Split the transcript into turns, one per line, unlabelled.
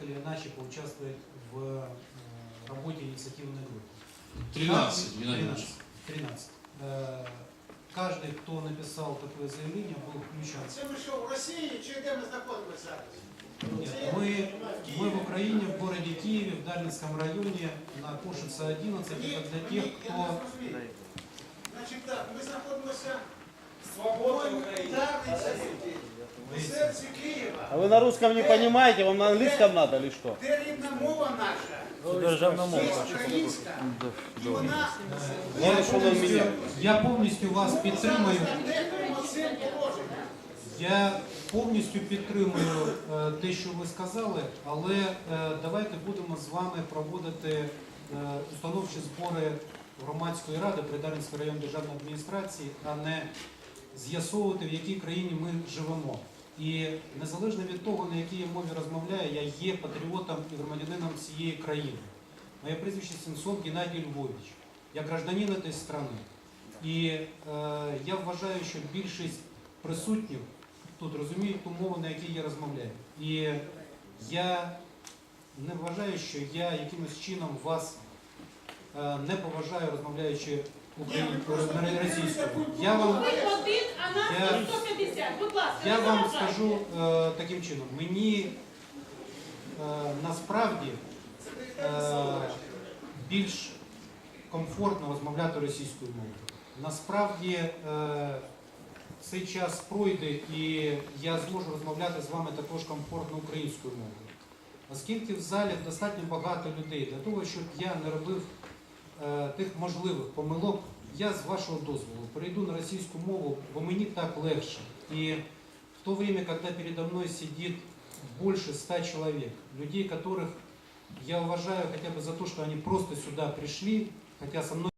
так или иначе поучаствовать в работе инициативной группы.
13, Геннадий Ильич.
13. Каждый, кто написал такое заявление, был включен.
Це ми що, в Росії чи де ми знаходимося зараз?
Нет, мы в Украине, в городе Киеве, в Дарницком районе, на Кошице 11, это для тех, кто...
Значить так, ми знаходимося в Дарниці, в серці Києва.
А вы на русском не понимаете, вам на английском надо или что?
Де рідна мова наша?
Державна
Є українська. І вона
Я повністю вас підтримую.
цим положенням.
Я повністю підтримую те, що ви сказали, але давайте будемо з вами проводити установчі збори громадської ради при Дарницькій районній державній адміністрації, а не з'ясовувати, в якій країні ми живемо. І незалежно від того, на якій я мові розмовляю, я є патріотом і громадянином цієї країни. Моє прізвище Сенцов Геннадій Львович. Я гражданин цієї країни. І я вважаю, що більшість присутніх тут розуміють ту мову, на якій я розмовляю. І я не вважаю, що я якимось чином вас не поважаю, розмовляючи російською.
Ви один, а нас 150. Будь ласка,
Я
не
вам
заважайте.
скажу таким чином. Мені насправді більш комфортно розмовляти російською мовою. Насправді цей час пройде і я зможу розмовляти з вами також комфортно українською мовою. Оскільки в залі достатньо багато людей для того, щоб я не робив тих можливих помилок, я з вашого дозволу перейду на російську мову, бо мені так легше. И в то время, когда передо мной сидит больше 100 человек, людей, которых я уважаю хотя бы за то, что они просто сюда пришли, хотя со мной